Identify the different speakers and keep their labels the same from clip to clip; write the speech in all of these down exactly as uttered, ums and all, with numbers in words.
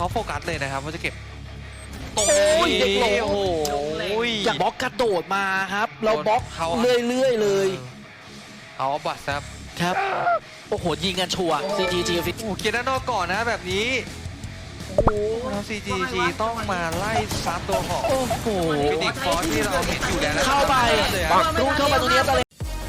Speaker 1: เขาโฟกัสเลยนะครับว่าจะเก็บตรง
Speaker 2: โอ้ย
Speaker 1: นี้
Speaker 2: เด็กหลง
Speaker 1: โอ้โห
Speaker 2: อยากบล็อกกระโดดมาครับเราบล็อกเรื่อยๆเลย
Speaker 1: เอาบัตรครับ
Speaker 2: ครับโอ้โหยิงกันชัวร์ ซี จี จี ฟิต
Speaker 1: โอ้เกียร์ด้านนอกก่อนนะแบบนี้โอ้โหแล้ว ซี จี จี ต้องมาไล่ซับตัวของ
Speaker 2: โอ้โห
Speaker 1: ฟินิกฟอสที่เราเห็นอยู่แล้วนะ
Speaker 2: เข้าไป
Speaker 1: เลย
Speaker 2: ปั
Speaker 1: ฮะ
Speaker 2: กรูเข้าไปตรงนี้ไปเลย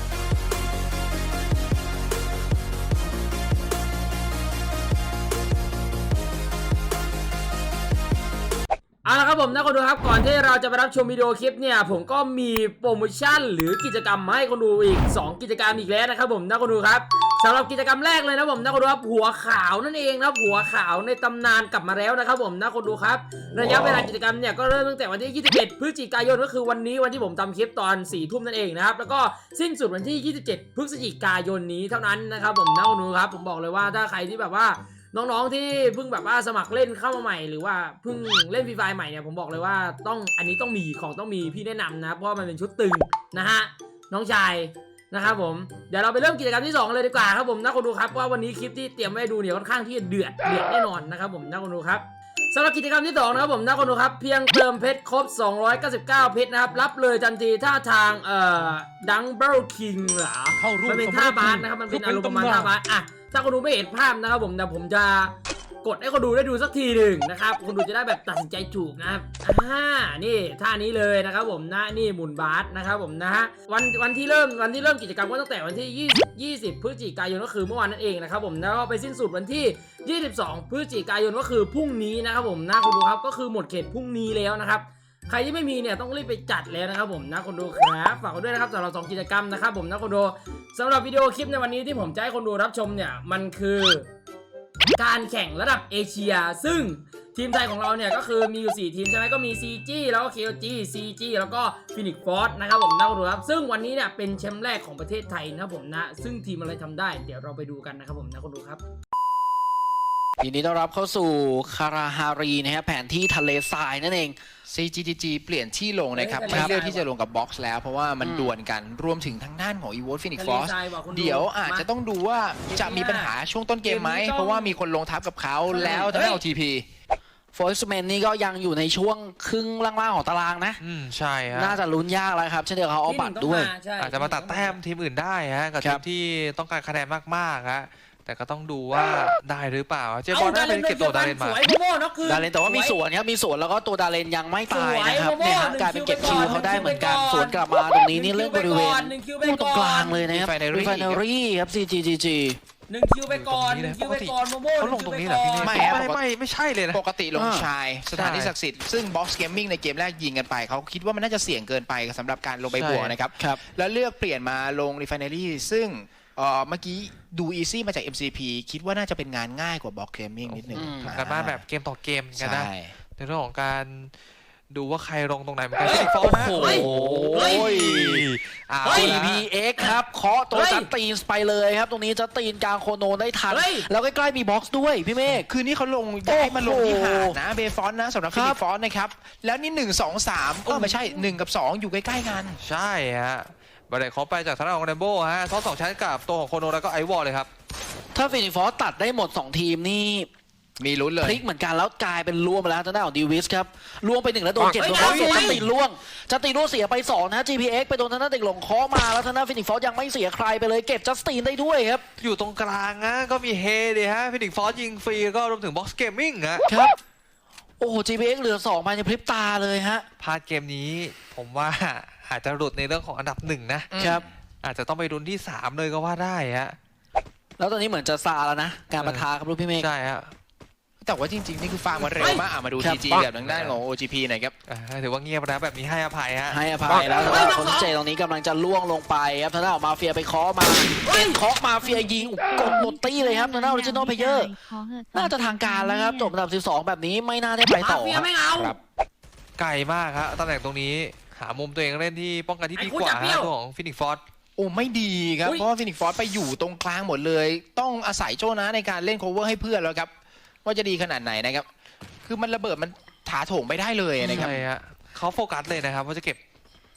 Speaker 3: เอาละครับผมนะคนดูครับก่อนที่เราจะไปรับชมวิดีโอคลิปเนี่ยผมก็มีโปรโมชั่นหรือกิจกรรมมาให้คนดูอีกสองกิจกรรมอีกแล้วนะครับผมนะคนดูครับสำหรับกิจกรรมแรกเลยนะผมนะคนดูครับหัวขาวนั่นเองนะหัวขาวในตำนานกลับมาแล้วนะครับผมนะคนดูครับระยะเวลากิจกรรมเนี่ยก็เริ่มตั้งแต่วันที่ยี่สิบเอ็ดพฤศจิกายนก็คือวันนี้วันที่ผมทำคลิปตอนสี่ทุ่มนั่นเองนะครับแล้วก็สิ้นสุดวันที่ยี่สิบเจ็ดพฤศจิกายนนี้เท่านั้นนะครับผมนะคนดูครับผมบอกเลยว่าถ้าใครที่แบบว่าน้องๆที่เพิ่งแบบว่าสมัครเล่นเข้ามาใหม่หรือว่าเพิ่งเล่นฟรีไฟใหม่เนี่ยผมบอกเลยว่าต้องอันนี้ต้องมีของต้องมีพี่แนะนำนะเพราะว่ามันเป็นชุดตึงนะฮะน้องชายนะครับผมเดี๋ยวเราไปเริ่มกิจกรรมที่สองเลยดีกว่าครับผมนะคนดูครับว่าวันนี้คลิปที่เตรียมไว้ดูเนี่ยค่อนข้างที่จะเดือดเดือดแน่นอนนะครับผมนะคนดูครับสำหรับกิจกรรมที่สองนะครับผมนะคนดูครับเพียงเติมเพชรครบสองร้อยเก้าสิบเก้าเพชรนะครับรับเลยทันทีท่าทางเอ่อดังเบิลคิงเหรอมันเป็นท่าบาสนะครับมันเป็นอารมณ์ประมาณท่าบาสอ่ะถ้าคนดูไม่เห็นภาพนะครับผมแต่ผมจะกดให้คนดูได้ดูสักทีหนึ่งนะครับคนดูจะได้แบบตัดสินใจถูกนะครับอ่านี่ท่านี้เลยนะครับผมนะนี่หมุนบาสนะครับผมนะฮะวันวันที่เริ่มวันที่เริ่มกิจกรรมก็ตั้งแต่วันที่ยี่สิบ ยี่สิบพฤศจิกายนก็คือเมื่อวานนั่นเองนะครับผมแล้วก็ไปสิ้นสุดวันที่ยี่สิบสองพฤศจิกายนก็คือพรุ่งนี้นะครับผมนะคนดูครับก็คือหมดเขตพรุ่งนี้แล้วนะครับใครที่ไม่มีเนี่ยต้องรีบไปจัดแล้วนะครับผมนะคนดูครับฝากกันด้วยนะครับสำหรับสองกิจกรรมนะครับผมนะคนดูสำหรับวิดีโอคลิปในวันนี้ที่ผมจะให้คนดูรับชมเนี่ยมันคือการแข่งระดับเอเชียซึ่งทีมไทยของเราเนี่ยก็คือมีอยู่สี่ทีมใช่ไหมก็มี ซี จี แล้วก็ เค โอ จี ซี จี แล้วก็ Phoenix Force นะครับผมนะคนดูครับซึ่งวันนี้เนี่ยเป็นแชมป์แรกของประเทศไทยนะครับผมนะซึ่งทีมอะไรทำได้เดี๋ยวเราไปดูกันนะครับผมนะคนดูครับ
Speaker 2: ยินดีต้อนรับเข้าสู่คาราฮารีนะฮะแผนที่ทะเลทรายนั่นเอง
Speaker 4: ซี จี ที จี เปลี่ยนที่ลงนะครับ
Speaker 3: เฮ้ย
Speaker 4: ไม่เลือก
Speaker 3: ทะเลทราย
Speaker 4: ที่จะลงกับบ็อกซ์แล้วเพราะว่ามัน
Speaker 2: อืม
Speaker 4: ดวลกันรวมถึงทางด้านของ อี โว ที Phoenix
Speaker 3: ทะเล
Speaker 4: Force
Speaker 3: ทรายว่ะคุณดู
Speaker 4: เดี๋ยวอาจจะต้องดูว่าจะมีปัญหาช่วงต้นเกมไหม
Speaker 3: เกมนี้ต้อง
Speaker 4: เพราะว่ามีคนลงทับกับเขา
Speaker 3: ใช่
Speaker 4: แล้วทางด้านของ ที พี
Speaker 2: โฟร์สแมนนี่ก็ยังอยู่ในช่วงครึ่งล่างๆของตารางนะ
Speaker 1: อืมใช่ฮะ
Speaker 2: น่าจะลุ้นยากแล้วครับเช่นเดียวกับเขาเอาบัตรด้วย
Speaker 3: ใช่
Speaker 1: อาจจะมาตัดแต้มทีมอื่นได้ฮะกับ
Speaker 2: ครั
Speaker 1: ที
Speaker 2: บ
Speaker 1: มที่ต้องการคะแนนมากๆฮะแต่ก็ต้องดูว่าได้หรือเปล่าเจ
Speaker 3: เอา
Speaker 1: บอล
Speaker 3: ดา
Speaker 1: ได้
Speaker 3: เล
Speaker 1: เป็น นเก็บตัวดาเลนมา
Speaker 3: สวยโมโม่เนาะคือ
Speaker 2: ดาเลนแต่ว่ามีสวนครับมีสวนแล้วก็ตัวดาเลนยังไม่ตายนะครับ
Speaker 3: สวย
Speaker 2: เนี่ยฮะ
Speaker 3: โมโม่
Speaker 2: กลายเป็นเก็บ
Speaker 3: หนึ่
Speaker 2: คิ
Speaker 3: ง
Speaker 2: ว
Speaker 3: คิว
Speaker 2: เขาได้เหมือนกัน
Speaker 3: ไปก่อน
Speaker 2: สวนกลับมาตรงนี้นี่เรื่องบริเวณ
Speaker 3: หนึ่งคิวไป
Speaker 2: คู่ต
Speaker 3: ก่
Speaker 2: ร
Speaker 3: อน
Speaker 2: งกลางเลยนะครับ
Speaker 4: Refinery
Speaker 2: รีไฟเนอรี่ครับ ซี จี จี จี
Speaker 3: หนึ่งคิวไปก่อนหนึ่งคิวไปก่อนโมโม่
Speaker 1: เขาลงตรงนี้เหรอพี่
Speaker 4: ไม่
Speaker 1: ไม่
Speaker 4: ครับ
Speaker 1: ไม่ไม่ไม่ใช่เลยนะ
Speaker 4: ปกติลง
Speaker 2: อ่า
Speaker 4: ชายสถานที่ศักดิ์สิทธิ์ซึ่ง Box Gaming ในเกมแรกยิงกันไปเขาคิดว่ามันน่าจะเสี่ยงเกินไปสำหรับการลงไปบวกนะครับ
Speaker 2: ครับ
Speaker 4: แล้วเลือกเปลี่ยนมาลง Refinery ซึ่งเอ่อเมื่อกี้ดู Easy มาจาก เอ็ม ซี พี คิดว่าน่าจะเป็นงานง่ายกว่า Box Gaming นิดนึง
Speaker 2: อืม
Speaker 1: การบ้านแบบเกมต่อเกมกันนะ
Speaker 4: ใช่
Speaker 1: ในเรื่องของการดูว่าใครลงตรงไหนเหมือนกันฟินิกฟอร์นะ
Speaker 2: โอ้โห
Speaker 3: เฮ้ย
Speaker 1: เอา
Speaker 3: เฮ้ย
Speaker 1: ละ
Speaker 2: จี พี เอ็กซ์ ครับเคาะตัว
Speaker 3: เฮ้ย
Speaker 2: จัดตีนไปเลยครับ ตรงนี้จัดตีนกลางโคโนได้ทัน
Speaker 3: เฮ้ย
Speaker 2: แล้วใกล้ๆมีบ็อกซ์ด้วยพี่เมฆ
Speaker 4: คือนี่เขาลงย้ายมาลงที่หาดนะเบฟอนนะสำหรับ
Speaker 2: ครั
Speaker 4: ฟิ
Speaker 2: บ
Speaker 4: นิกฟอนนะครับ แล้วนี่หนึ่ง สอง สามก็ไม่ใช่หนึ่งกับสองอยู่ใกล้ๆกัน
Speaker 1: ใช่ฮะบัตรเด็กเขาไปจากทางด้านของเรนโบ้ฮะซ้อนสองชั้นกับตัวของโคโนแล้วก็ไอวอลเลยครับ
Speaker 2: ถ้าฟินิกฟอร์ตัดได้หมดสองทีมนี่
Speaker 4: มีลุ้นเล
Speaker 2: พ
Speaker 4: ย
Speaker 2: ลิกเหมือนกันแล้วกลายเป็นล่วงไปแล้วทางด้านของดีวิสครับล่วงไปหนึ่งแล้วโดนเก็บ
Speaker 3: เฮ้ย
Speaker 2: โดนเขาเสีย
Speaker 3: เฮ้
Speaker 2: จั
Speaker 3: ย
Speaker 2: ดตีนล่วงจัดตีนล่วงเสียไปสองนะ จี พี เอ็กซ์ ไปโดนทางด้านเด็กหลงเคาะมาแล้วทางด้านฟินิกฟอร์ยังไม่เสียใครไปเลยเก็บจัสตินได้ด้วยครับ
Speaker 1: อยู่ตรงกลางนะก็มีเฮดีฮะฟินิกฟอร์ยิงฟรีก็รวมถึงบ็อกซ์เกมมิ่งฮะ
Speaker 2: ครับโอ้โห จี พี เอ็กซ์ เหลือสองภายในพริบตาเลยฮะ
Speaker 1: พลาดเกมนี้ผมว่าอาจจะหลุดในเรื่องของอันดับหนึ่งนะครับ อาจจะต้องไปรุนที่สามเลยก็ว่าได้ฮะ
Speaker 2: แล้วตอนนี้เหมือนจะซาแล้วนะการประทาครับลูกพี่เมฆ
Speaker 1: ใช่ฮะ
Speaker 4: แต่ว่าจริงๆ นี่คือฟาร์มมาเร็วมากอ่ะมาดู
Speaker 2: ครั
Speaker 4: ที
Speaker 2: บ
Speaker 4: จีกับทางด้านของ โอ จี พี หน่อยครับ
Speaker 1: อ่าถือว่าเงียบนะแบบนี้ให้อภัยฮะ
Speaker 2: ให้อภัยแล้วแต่ว่าคนเจตรงนี้กำลังจะล่วงลงไปครับทางด้านของมาเฟียไปเคาะมาเอ็นเคาะมาเฟียยิงกดหมดตี้เลยครับทางด้านออริจินอลเพลเยอร์น่าจะทางการแล้วครับจบอันดับสิบสองแบบนี้ไม่น่าได้ไปต่อ
Speaker 3: มาเฟียไม่เอา
Speaker 4: ครับ
Speaker 1: ไกลมากครับตำแหน่งตรงนี้หามุมตัวเองเล่นที่ป้องกันที่ดีกว่า
Speaker 3: ไอ้คุณอย่าเปรี้
Speaker 1: ฮะ
Speaker 3: ยว
Speaker 1: ตัวของฟินิกฟอร์
Speaker 4: โอ้ไม่ดีครับ
Speaker 3: อุ๊ย
Speaker 4: เพราะว่าฟินิกฟอร์ไปอยู่ตรงกลางหมดเลย ต้องอาศัยโจนะในการเล่นโคเวอร์ให้เพื่อนแล้วครับ ว่าจะดีขนาดไหนนะครับ คือมันระเบิดมันถาโถมไปได้เลยนะครับ
Speaker 1: ใช่ฮะเขาโฟกัสเลยนะครับว่าจะเก็บต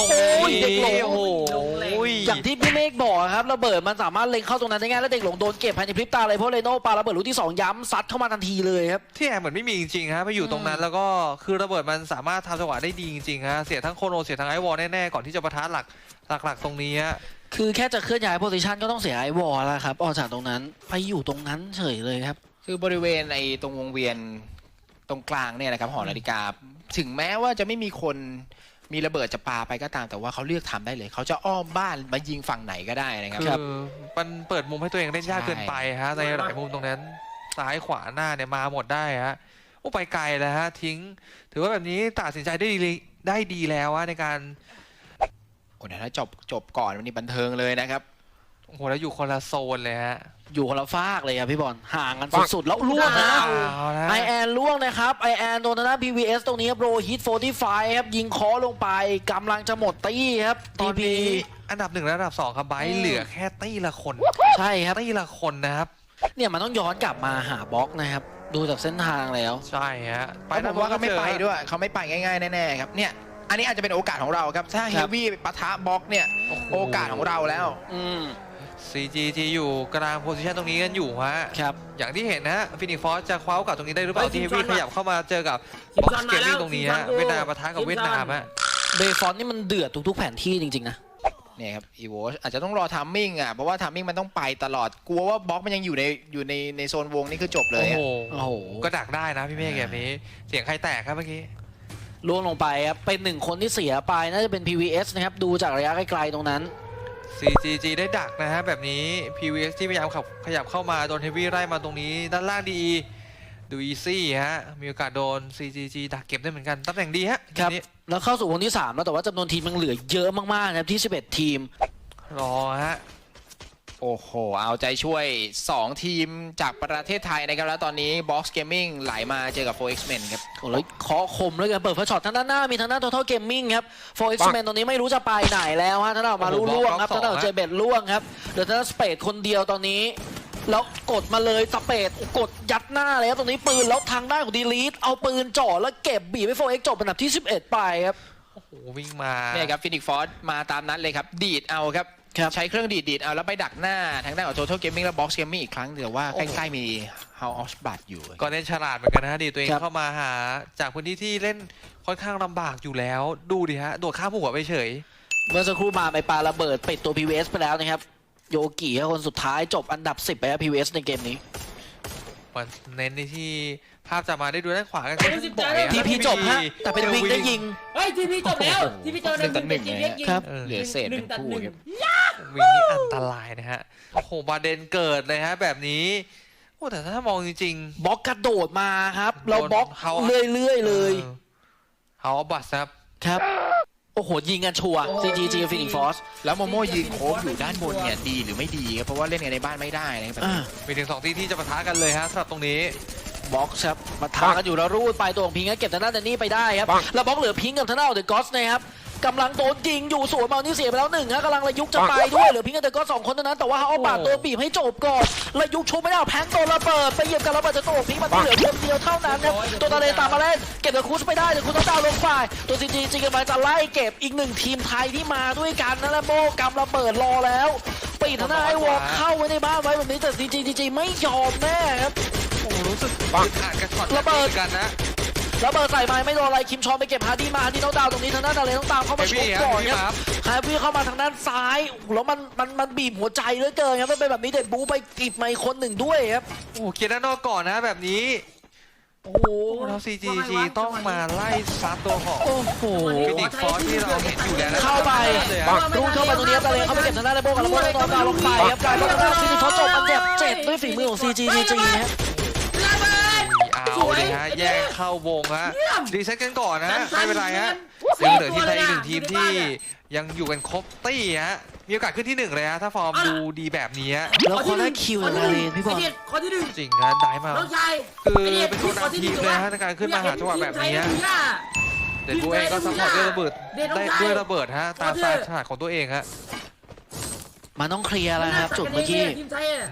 Speaker 1: ตรง
Speaker 2: โอ้ย
Speaker 1: นี้
Speaker 2: เด็กหลง
Speaker 1: โอ้โห
Speaker 2: อย่างที่พี่เมฆบอกครับระเบิดมันสามารถเล็งเข้าตรงนั้นได้ง่ายแล้วเด็กหลงโดนเก็บภายในพริบตาเลยเพราะเรโน่ปาระเบิดลูกที่สองย้ำซัดเข้ามาทันทีเลยครับ
Speaker 1: ที่แอร์เหมือนไม่มีจริงๆฮะไปอยู่ตรงนั้นแล้วก็คือระเบิดมันสามารถทำจังหวะได้ดีจริงๆฮะเสียทั้งโคโนเสียทั้งไอวอลแน่ๆก่อนที่จะปะทะหลักหลักๆตรงนี้ฮะ
Speaker 2: คือแค่จะเคลื่อนย้ายโพซิชันก็ต้องเสียไอวอลแล้วครับออกจากตรงนั้นไปอยู่ตรงนั้นเฉยเลยครับ
Speaker 4: คือบริเวณไอ้ตรงวงเวียนตรงกลางเนี่ยนะครับหอนาฬิกาถึงแม้ว่าจะไม่มีคนมีระเบิดจะปาไปก็ตามแต่ว่าเขาเลือกทำได้เลย เขาจะอ้อมบ้านมายิงฝั่งไหนก็ได้นะครับ
Speaker 1: คือมันเปิดมุมให้ตัวเองเล่นยากเกินไปฮะในหลายมุมตรงนั้นซ้ายขวาหน้าเนี่ยมาหมดได้ฮะโอ้ไปไกลแล้วฮะทิ้ง ถือว่าแบบนี้ตัดสินใจได้ดีได้ดีแล้วฮะในการ
Speaker 4: โอ้เดี๋ยวถ้าจบจบก่อนวันนี้บันเทิงเลยนะครับ
Speaker 1: โอ้โหแล้วอยู่คนละโซนเลยฮะ
Speaker 2: อยู่คนละฟากเลยครับพี่บอลห่างกันสุดๆแล้วล่วงนะ
Speaker 1: เอาละ
Speaker 2: ไอแอนล่วงนะครับไอแอนโดนทางด้าน พี วี เอส ตรงนี้ครับโรฮิตโฟร์ตี้ไฟว์ครับยิงเคอลงไปกำลังจะหมดตี้ครับ
Speaker 1: ต
Speaker 2: ที
Speaker 1: อน
Speaker 2: พี
Speaker 1: นี้อันดับหนึ่งและอันดับสองครับไบร์ทเหลือแค่ตี้ละคน
Speaker 2: ใช่ครับ
Speaker 1: ตี้ละคนนะครับ
Speaker 2: เนี่ยมันต้องย้อนกลับมาหาบล็อกนะครับดูจากเส้นทางแล้ว
Speaker 1: ใช่ฮะ
Speaker 4: ไปผมว่าเขาไม่ไปด้วยเขาไม่ไปง่ายๆแน่ๆครับเนี่ยอันนี้อาจจะเป็นโอกาสของเราครับถ้าเฮ
Speaker 2: ครับ
Speaker 4: วี่ปะทะบล็อกเนี่ยโอกาสของเราแล้ว
Speaker 2: อืม
Speaker 1: ซี จี จี อยู่กลางโพซิชันตรงนี้กันอยู่ฮะ
Speaker 2: ครับ
Speaker 1: อย่างที่เห็นนะฮะฟินิกฟอสจะคว้าโอกาสตรงนี้ได้หรือเปล่า
Speaker 3: เฮ้ย
Speaker 1: ที่เฮฟ
Speaker 3: ที
Speaker 1: วี่
Speaker 3: ม
Speaker 1: ข
Speaker 3: ชาติ
Speaker 1: ยับเข้ามาเจอกับ
Speaker 3: ทีม
Speaker 1: บ็อก
Speaker 3: ชาติ
Speaker 1: ซ์เกมมิ่ง
Speaker 3: มาแล้ว
Speaker 1: ตรงนี้
Speaker 3: ทีมชา
Speaker 1: ฮะ
Speaker 3: ติ
Speaker 1: เวียดนามปะทะกับ
Speaker 3: ทีมชาติ
Speaker 1: เวียดนามฮะ
Speaker 2: เบฟอนนี่มันเดือดทุกๆแผนที่จริงๆนะ
Speaker 4: เนี่ยครับอีโวอาจจะต้องรอทัมมิ่งอ่ะเพราะว่าทัมมิ่งมันต้องไปตลอดกลัวว่าบล็อกมันยังอยู่ในอยู่ในในโซนวงนี่คือจบเลย
Speaker 1: โอ้
Speaker 4: อะ
Speaker 1: โห
Speaker 2: โอ้โห
Speaker 1: ก็ดักได้นะพี่เมฆแบบนี้ เสียงใครแตกครับเมื่อกี้
Speaker 2: ล่วงลงไปครับเป็นหนึ่งคนที่เสียไปน่าจะเป็น พี วี เอส นะครับดูจากระยะไกลๆตรงนั้น
Speaker 1: ซี จี จี ได้ดักนะฮะแบบนี้ พี วี เอส ที่พยายามขับขยับเข้ามาโดนเฮฟวี่ไล่มาตรงนี้ด้านล่างดีดูอีซี่ฮะมีโอกาสโดน ซี จี จี ดักเก็บได้เหมือนกันตำแหน่งดีฮะ
Speaker 2: ครับ
Speaker 1: ทีนี้
Speaker 2: แล้วเข้าสู่วงที่สามแล้วแต่ว่าจำนวนทีมมันเหลือเยอะมากๆนะครับที่สิบเอ็ดทีม
Speaker 1: รอฮะ
Speaker 4: โอ้โห เอาใจช่วย สอง ทีมจากประเทศไทยนะครับ แล้วตอนนี้ Box Gaming ไหลมาเจอกับ โฟร์ เอ็กซ์ Men ครับ
Speaker 2: โอ้แล้วเคาะคมเลยกันเปิดเฟอร์ช็อตทางด้านหน้ามีทางด้าน Total Gaming ครับ โฟร์ เอ็กซ์ Men ตรงนี้ไม่รู้จะไปไหนแล้วฮะทางด้านออกมา
Speaker 1: โอ้โห
Speaker 2: ล่วงครับ
Speaker 1: บล็อกสอง
Speaker 2: ทางด้านของเจเบตล่วงครับเดี๋ยวทางด้านสเปดคนเดียวตอนนี้ แล้วกดมาเลยสเปดกดยัดหน้าเลยครับตรงนี้ปืนแล้วทางด้านของดีลีทเอาปืนจ่อแล้วเก็บบีบให้ โฟร์ เอ็กซ์ จบเป็นอันดับที่สิบเอ็ดไปครับ
Speaker 1: โอ้โหวิ่งมา
Speaker 4: เนี่ยครับ Phoenix Force มาตามนั้นเลยครับ ดีดเอาครับ
Speaker 2: ครับ
Speaker 4: ใช้เครื่องดีดดีดเอาแล้วไปดักหน้าทางด้านของ Total Gaming และ Box Gaming อีกครั้งแต่ว่า
Speaker 1: โอ้
Speaker 4: ใก
Speaker 1: โห
Speaker 4: ล้ๆมี House of Blood อยู่
Speaker 1: ก็เล่นฉลาดเหมือนกันนะฮะดีตัวเอง
Speaker 2: ครับ
Speaker 1: เข้ามาหาจากพื้นที่ที่เล่นค่อนข้างลำบากอยู่แล้ว ดูดิฮะโดดข้ามหัวไปเฉย
Speaker 2: เมื่อสักครู่มาไปปาระเบิดปิดตัว พี วี เอส ไปแล้วนะครับโยกิครับคนสุดท้ายจบอันดับสิบไปครับ พี วี เอส ในเกมนี้
Speaker 1: มันเน้นในที่ภาพจะมาได้ดูด้านขวากัน
Speaker 3: โอ้ยสิบ
Speaker 1: บ่อย
Speaker 3: ใจ
Speaker 1: อะ
Speaker 2: ทีพีจบฮะแต่เป็นวิงได้ยิง
Speaker 3: เฮ้ยทีพีจบแล้วทีพีจบแล้ว
Speaker 4: หนึ่งต่อหนึ่งเลยฮะ
Speaker 2: ครับ
Speaker 1: เออ
Speaker 4: เหลือเศษเป็นคู่ครับ
Speaker 1: วิ่งนี่อันตรายนะฮะโอ้โหบาเดนเกิดเลยฮะแบบนี้โอ้แต่ถ้ามองจริง
Speaker 2: บล็อกกระโดดมาครับ
Speaker 1: โดน
Speaker 2: เราบล็อก
Speaker 1: เขา
Speaker 2: เรื่อยๆ
Speaker 1: ๆ
Speaker 2: เลย
Speaker 1: เฮาบัสครับ
Speaker 2: ครับ โอ้โห ยิงกันชัวร์ ซี จี จี Phoenix Force
Speaker 4: แล้วโมโม่ยืนโค้งอยู่ด้านบนเนี่ยดีหรือไม่ดีครับเพราะว่าเล่นกันในบ้านไม่ได้นะครับ
Speaker 2: อ่า
Speaker 1: มีถึงสองที่ที่จะปะทะกันเลยฮะสำหรับตรงนี้
Speaker 2: บล็อกครับมาทากันอยู่แล้วรูดไปตัวของพิงค์ก็เก็บทางด้านแดนนี่ไปได้ครับ แล้วบล็อกเหลือพิงค์กับทางด้านของเดอะก็อสนะครับกำลังโดนยิงอยู่สวนมานี่เสียไปแล้วหนึ่งฮะกำลังระยุกจะไปด้วยเหลือพิงค์กับเดอะก็อสสองคนเท่านั้นแต่ว่าเอาปาดตัวบีบให้จบก่อนระยุกชุบไม่ได้เอาแพงโดนระเบิดไปเหยียบกันระเบิดจะตัวของพิงค์มันเหลือเพียงเดียวเท่านั้นครับตัวตาเลตามมาเล่นเก็บเดอะคูสไปได้เดอะคูสต้องดาวลงฝ่ายตัวซีจีจีกำลังจะไล่เก็บอีกหนึ่งทีมไทยที่มาด้วยกันนะและโบกำระเบิดรอแล้วปิดทางด้านไอ้วอลเข้าไว้ในบ้านไว้แบบนี้แต่ซีจีจีไม่ยอมแน่ครับ
Speaker 1: โอ้โหรู้สึกอึดอัดกับช็อต
Speaker 2: ระเบิด
Speaker 1: หมือนกันนะ
Speaker 2: แล้วเบิร์ดใส่ไม้ไม่โดนอะไรคิมชอนไปเก็บฮาร์ดี้มาฮาร์ดี้ต้องดาวตรงนี้ทางด้านดาเลต้องตามเข้ามาชกก่อนครับฮาร์ดี้เข้ามาทางด้านซ้ายแล้วมันมันมันบีบหัวใจเหลือเกินครับมันเป็นแบบนี้เด็ดบูไปกีบไมค์คนหนึ่งด้วยครับ
Speaker 1: โอ้โหเคียร์ด้านนอกก่อนนะแบบนี้
Speaker 2: โอ้โห
Speaker 1: แล้ว ซี จี จี ต้องมาไล่ซัดตัวของ
Speaker 2: โอ้โห
Speaker 1: ฟินิกฟอสที่เราเห็นอยู่แล้วนะ
Speaker 2: เข้าไป
Speaker 1: เลยอะ
Speaker 2: รูดเข้าไปตรงนี้ครับดาเลเข้าไปเก็บทางด้านไดโบกับระเบิดต้องดาวลงไปครับกลายเป็นทางด้านฟินิชเขาจบอันเจ็บเจ็ดด้วยฝีมือของ ซี จี จี ครับ
Speaker 3: ระเบิด
Speaker 1: เอาเลยฮะแยกเข้าวงฮะรีเซ็ตกันก่อนนะไม่เป็นไรฮะยังเหลือทีมไทยอีกหนึ่งทีมที่ยังอยู่กันครบตี้ฮะมีโอกาสขึ้นที่หนึ่งเลยฮะถ้าฟอร์มดูดีแบบนี้ฮะ
Speaker 2: แล้วคนได้คิวจากดาเลพี่บอล
Speaker 3: ไเด็ดข้อที่หนึ่ง
Speaker 1: จริงฮะได้มา
Speaker 3: น้องชาย
Speaker 1: คือเป็นตัวนำทีมเลยฮะในการขึ้นมาหาจังหวะแบบนี้ฮะเด็ดบูเองก็ซัพพอร์ตด้วยระเบิดได้ด้วยระเบิดฮะตามสไตล์ฉลาดของตัวเองฮะ
Speaker 2: มันต้องเคลียร์แล้วครับจุดเมื่อกี้
Speaker 3: ทีมไทยอะ
Speaker 1: อืม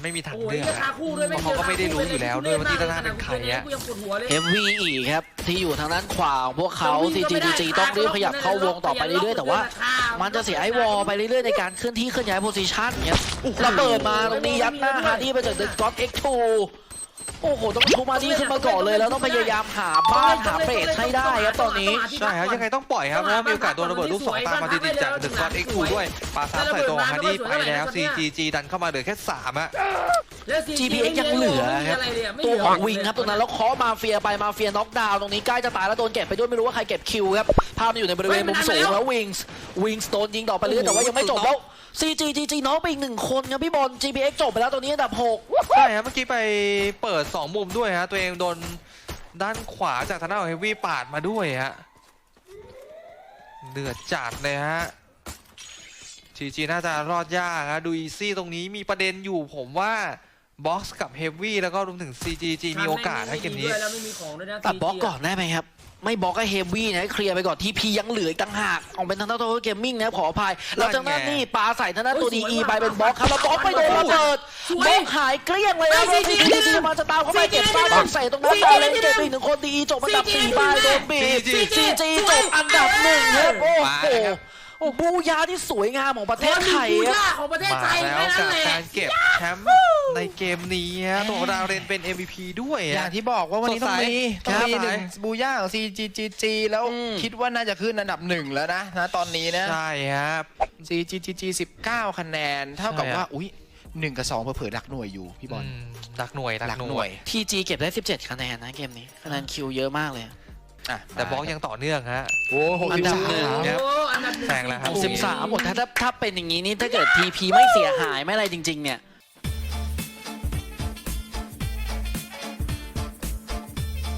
Speaker 1: ไม่มีทาง
Speaker 3: โอ้ย
Speaker 1: เลือก
Speaker 3: รา
Speaker 1: อะ
Speaker 3: คาคู่ด้วย
Speaker 1: เพราะเขาก็ไม่ได้รู้อยู่แล้วด้วยว่าที่ด้านหน้าเป็นใครอะ
Speaker 3: กูยังปวดหัวเลย
Speaker 2: เฮฟวี่อีกครับที่อยู่ทางด้านขวาของพวกเขา ซี จี ดี จี ต้องรีบขยับเข้าวงต่อไปเรื่อยๆแต่ว่ามันจะเสียไอ้วอลไปเรื่อยๆในการเคลื่อนที่เคลื่อนย้ายโพซิชันเนี่ยระเบิดมาตรงนี้ยัดหน้าฮาร์ดี้ไปจากเดอะก็อต เอ็กซ์ ทู โอ้โหต้องชูมาดี้ขึ้นมาก่อนเลยแล้วต้องพยายามหาบ้านหาเฟสให้ได้ครับตอนนี้
Speaker 1: ใช่ครับยังไงต้องปล่อยครับเพราะว่ามีโอกาสโดนระเบิดลูกสองตามมาติดๆจากเดอะก็อต เอ็กซ์ ทู ด้วยปาซ้ำใส่ตัวฮาร์ดี้ไปแล้ว ซี จี จี ดันเข้ามาเหลือแค่สามอะ
Speaker 2: จี พี เอ็กซ์ ยังเหลือครับตัวของวิงครับตรงนั้นแล้วเคาะมาเฟียไปมาเฟียน็อกดาวน์ตรงนี้ใกล้จะตายแล้วโดนเก็บไปด้วยไม่รู้ว่าใครเก็บคิวครับภาพมันอยู่ในบริเวณมุมสูงแล้ววิงส์วิงส์โดนยิงต่อไปเรื่อยแต่ว่ายังไม่จบแล้ว ซี จี จี จี น็อกไปอีกหนึ่งคนครับพี่บอล จี พี เอ็กซ์ จบไปแล้วตอนนี้อันดับหก
Speaker 1: ใช่ครับเมื่อกี้ไปเปิดสองมุมด้วยฮะตัวเองโดนด้านขวาจากทางด้านของเฮฟวี่ปาดมาด้วยฮะเดือดจัดเลยฮะจีจีน่าจะรอดยากฮะดูอีซี่ตรงนี้มีประเด็นอยู่ผมว่าบ็อกซ์กับเฮฟวี่แล้วก็รวมถึง ซี จี จี มีโอกาสให้เกมนี้
Speaker 3: แล้วไม่มีของด้วยนะ
Speaker 2: ตัดบล็อกก่อนได้ไหมครับไม่บล็อกก็เฮฟวี่นะเคลียร์ไปก่อนทีพียังเหลืออีกต่างหากออกเป็นทางด้านตัวเกมมิ่งนะขออภัยแล้วทางด้านนี่ปาใส่ทางด้านตัวดีอีไปเป็นบล็อกครับแล้วบล็อกไปโดนระเบิดบล็อกหายเกลี้ยงเลยนะซีจีจีมาจะตามเข้าไปเก็บบ้านใส่ตรงนั้นตายเลยเก็บอีกหนึ่งคนดีอีจบอันดับสี่ไปโดนบีบซีจีจบอันดับหนึ่งครับโอ้โหโอ้บูยาที่สวยงามของประเทศไทย
Speaker 3: บู
Speaker 2: ครับ
Speaker 3: ย่าของประเทศ
Speaker 1: มา
Speaker 3: ไทย
Speaker 1: แล้ว
Speaker 3: แค่นั้
Speaker 1: กัน บ
Speaker 3: แหละ
Speaker 1: การเก็บแชมป์ในเกมนี้ฮะตัวของดาวเรนเป็น เอ็ม วี พี ด้วย
Speaker 4: อย่า
Speaker 1: ฮะ
Speaker 4: งที่บอกว่าวันนี้ต้องมี
Speaker 1: สดใส
Speaker 4: ต้องมี
Speaker 1: ครับ
Speaker 4: หนึ่งบูย่าของ ซี จี จี จี แล้ว
Speaker 2: อืม
Speaker 4: คิดว่าน่าจะขึ้นอันดับหนึ่งแล้วนะนะตอนนี้นะ
Speaker 1: ใช่ครับ
Speaker 4: ซี จี จี จี สิบเก้าคะแนน เท่ากับ
Speaker 1: ใช่
Speaker 4: ว่าอุ้ยหนึ่งกับสองเผลอๆดักหน่วยอยู่พี่บอล
Speaker 1: อืมดักหน่วย
Speaker 4: ดั
Speaker 1: ดั
Speaker 4: ก
Speaker 1: ก
Speaker 4: ห
Speaker 1: ห
Speaker 4: น่
Speaker 1: น่
Speaker 4: ว
Speaker 1: วย ย
Speaker 2: ทีจีเก็บได้สิบเจ็ดคะแนนนะเกมนี้คะแนนคิวเยอะมากเลย
Speaker 4: อ่ะ
Speaker 1: แต่บล็อกยังต่อเนื่องฮะ
Speaker 4: โอ้หก
Speaker 2: อั
Speaker 4: สิ
Speaker 2: น
Speaker 4: บ
Speaker 2: ดับ
Speaker 4: สาม
Speaker 2: หนึ่ง
Speaker 1: ครับ
Speaker 3: โอ้อันดับหนึ่ง
Speaker 1: แซงแล้วครับ
Speaker 2: สิบสามหมดถ้าถ้าถ้าเป็นอย่างนี้นี่ถ้าเกิดทีพีไม่เสียหายไม่อะไรจริงๆเนี่ย